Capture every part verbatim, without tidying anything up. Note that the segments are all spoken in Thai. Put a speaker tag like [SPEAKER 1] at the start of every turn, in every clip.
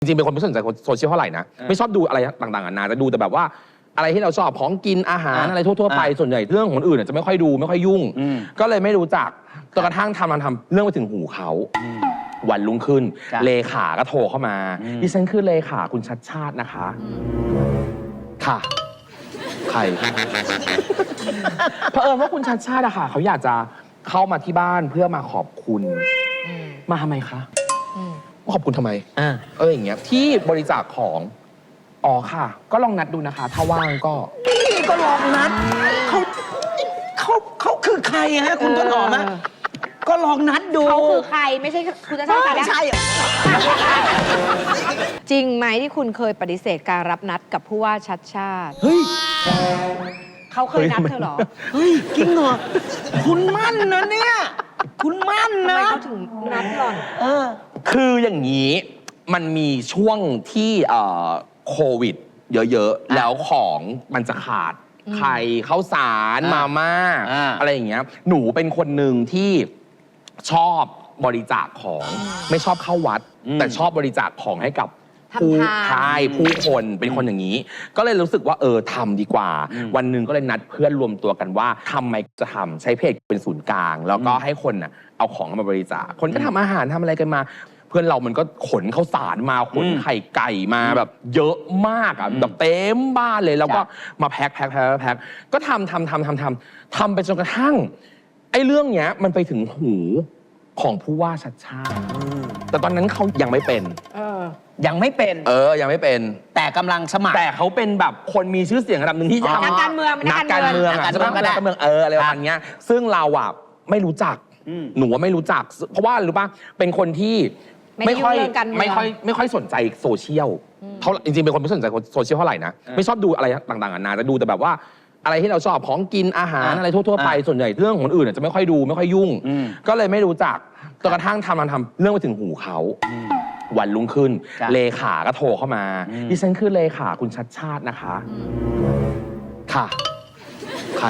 [SPEAKER 1] จริงๆเป็นคนไม่สนใจโซเชียลเท่าไหร่นะไม่ชอบดูอะไรต่างๆนานาจะดูแต่แบบว่าอะไรที่เราชอบของกินอาหารอะไรทั่วๆไปส่วนใหญ่เรื่องของคนอื่นจะไม่ค่อยดูไม่ค่อยยุ่งก็เลยไม่รู้จักจนกระทั่งทำทำทำเรื่องไปถึงหูเขาวันรุ่งขึ้นเลขาก็โทรเข้ามาดิฉันคือเลขาคุณชัดชาตินะคะค่ะใครเผอิญว่าคุณชัดชาติอะค่ะเขาอยากจะเข้ามาที่บ้านเพื่อมาขอบคุณมาทำไมคะขอบคุณทำไมเอออย่างเงี้ยที่บริจาคของอ๋อค่ะก็ลองนัดดูนะคะถ้าว่างก็
[SPEAKER 2] นี่ก็ลองนัดเขาเขาเขาคือใครฮะคุณต้นหอมนะก็ลองนัดดู
[SPEAKER 3] เขาคือใครไม่ใช่คุณจะใช่ใคร
[SPEAKER 2] ไม่ใช่
[SPEAKER 3] จริงไหมที่คุณเคยปฏิเสธการรับนัดกับผู้ว่าชัดชาติ
[SPEAKER 2] เฮ้ย
[SPEAKER 3] เขาเคยนัดเธอหรอ
[SPEAKER 2] เฮ้ยจริงเหรอคุณมั่นนะเนี่ยคุณมั่นนะ
[SPEAKER 3] ทำไมเขาถึงนัดหล่อน
[SPEAKER 2] เออ
[SPEAKER 1] คืออย่างนี้มันมีช่วงที่โควิดเยอะๆแล้วของมันจะขาดไข่ข้าวสารมาม่าอะไรอย่างเงี้ยหนูเป็นคนหนึ่งที่ชอบบริจาคของไม่ชอบเข้าวัดแต่ชอบบริจาคของให้กับผู้ชายผู้คนเป็นคนอย่างนี้ก็เลยรู้สึกว่าเออทำดีกว่าวันหนึ่งก็เลยนัดเพื่อนรวมตัวกันว่าทำไมจะทำใช้เพจเป็นศูนย์กลางแล้วก็ให้คนน่ะเอาของมาบริจาคคนก็ทำอาหารทำอะไรกันมาเพื่อนเรามันก็ขนข้าวสารมาขนไข่ไก่มาแบบเยอะมากอ่ะแบบเต็มบ้านเลยแล้วก็มาแพ็คแพ็คแพ็คแพ็คก็ทำทำทำทำทำทำไปจนกระทั่งไอ้เรื่องเนี้ยมันไปถึงหูของผู้ว่าชัดชาติแต่ตอนนั้นเขายังไม่เป็น
[SPEAKER 2] ยังไม่เป็น
[SPEAKER 1] เออยังไม่เป็น
[SPEAKER 2] แต่กำลังสมัคร
[SPEAKER 1] แต่เขาเป็นแบบคนมีชื่อเสียงระดับหนึ่งที่
[SPEAKER 3] นักการเมือง
[SPEAKER 1] นักการเมืองนักการเมืองนักการเมืองเอออะไรประมาณนี้ซึ่งเราอ่ะไม่รู้จักหนูว่าไม่รู้จักเพราะว่ารู้ป่ะเป็นคนที่ไม่ค่อยไม่ค่อยไม่ค่อยสนใจโซเชียลเท่าจริงๆเป็นคนไม่สนใจโซเชียลเท่าไหร่นะไม่ชอบดูอะไรต่างๆนานาจะดูแต่แบบว่าอะไรที่เราชอบของกินอาหารอะไรทั่วๆไปส่วนใหญ่เรื่องของคนอื่นจะไม่ค่อยดูไม่ค่อยยุ่งก็เลยไม่รู้จักจนกระทั่งทำทำทำเรื่องไปถึงหูเขาวันรุ่งขึ้นเลขาก็โทรเข้ามาดิฉันคือเลขาคุณชัดชาตินะคะค่ะใคร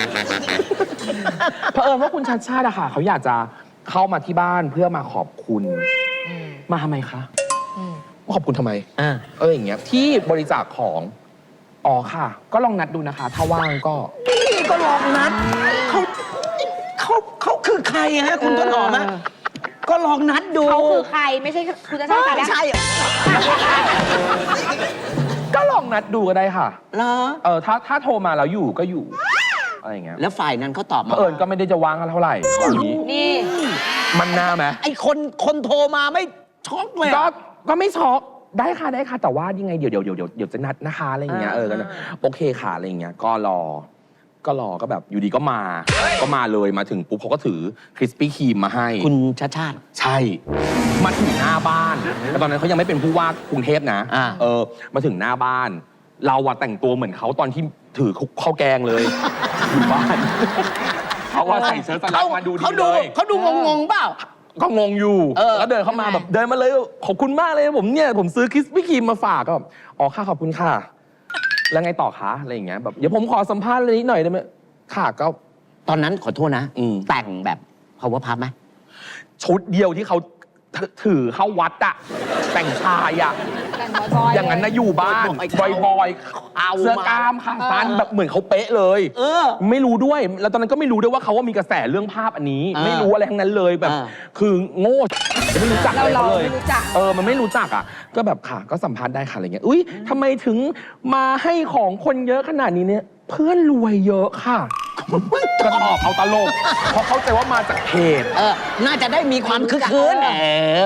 [SPEAKER 1] เผอิญว่าคุณชัดชาติอะค่ะเขาอยากจะเข้ามาที่บ้านเพื่อมาขอบคุณมาทำไมคะขอบคุณทำไมเอออย่างเงี้ยที่บริจาคของอ๋อค่ะก็ลองนัดดูนะคะถ้าว่างก็
[SPEAKER 2] นี่ก็ลองนัดเขาเขาเขาคือใครฮะคุณต้นหอมนะก็ลองนัดดู
[SPEAKER 3] เขาคือใครไม่ใช่คุณจะใช่ใคร
[SPEAKER 2] ไม่ใช่
[SPEAKER 1] ก็ลองนัดดูก็ได้ค่ะ
[SPEAKER 2] เหรอ
[SPEAKER 1] เออถ้าถ้าโทรมาแล้วอยู่ก็อยู่อะไรอย่างเงี้ย
[SPEAKER 2] แล้วฝ่ายนั้นเขาตอบมา
[SPEAKER 1] เออก็ไม่ได้จะว่างเท่าไหร่
[SPEAKER 3] นี่
[SPEAKER 1] มันน่าไหม
[SPEAKER 2] ไอคนคนโทรมาไม่ช็อกเลย
[SPEAKER 1] ก็ก็ไม่ช็อกได้ค่ะได้ค่ะแต่ว่ายังไงเดี๋ยวเดี๋ยวเดี๋ยวเดี๋ยวจะนัดนะคะอะไรอย่างเงี้ยเออกันโอเคค่ะอะไรอย่างเงี้ยก็รอก็รอก็แบบอยู่ดีก็มาก็มาเลยมาถึงปุ๊บเขาก็ถือคริสปี้ครีมมาให้
[SPEAKER 2] คุณชาติชาติ
[SPEAKER 1] ใช่มาถึงหน้าบ้านแต่ตอนนั้นเขายังไม่เป็นผู้ว่ากรุงเทพนะเออมาถึงหน้าบ้านเราอะแต่งตัวเหมือนเขาตอนที่ถือข้าวแกงเลยอยู่บ้านเขาว่าใส่เชิ้ตสลักมาดูดีเลย
[SPEAKER 2] เขาดูงงๆเปล่า
[SPEAKER 1] ก็งงอยู่แล้วเดินเข้ามาแบบเดินมาเลยขอบคุณมากเลยผมเนี่ยผมซื้อคริสปี้ครีมมาฝากก็แบบอ๋อค่ะขอบคุณค่ะแล้วไงต่อคะอะไรอย่างเงี้ยแบบเดี๋ยวผมขอสัมภาษณ์อะไรนิดหน่อยได้ไหมค่ะก็
[SPEAKER 2] ตอนนั้นขอโทษนะแต่งแบบ power puff ไหม
[SPEAKER 1] ชุดเดียวที่เขาถือเข้าวัดอะแต่งชายอะอย่างนั้นนะอยู่บ้านบอยๆเสื้อกล้ามขาสั้นแบบเหมือนเขาเป๊ะเลยเออไม่รู้ด้วยแล้วตอนนั้นก็ไม่รู้ด้วยว่าเขาว่ามีกระแสเรื่องภาพอันนี้ไม่รู้อะไรทั้งนั้นเลยแบบคือโง่ไม่รู้จัก
[SPEAKER 3] เรา
[SPEAKER 1] เลยเออมันไม่รู้จักอ่ะก็แบบค่ะก็สัมภาษณ์ได้ค่ะอะไรเงี้ยอุ้ยทำไมถึงมาให้ของคนเยอะขนาดนี้เนี่ยเพื่อนรวยเยอะค่ะก็ตอบเอาตลกเพราะเข้าใจว่ามาจากเพจ
[SPEAKER 2] เออน่าจะได้มีความคึกคืน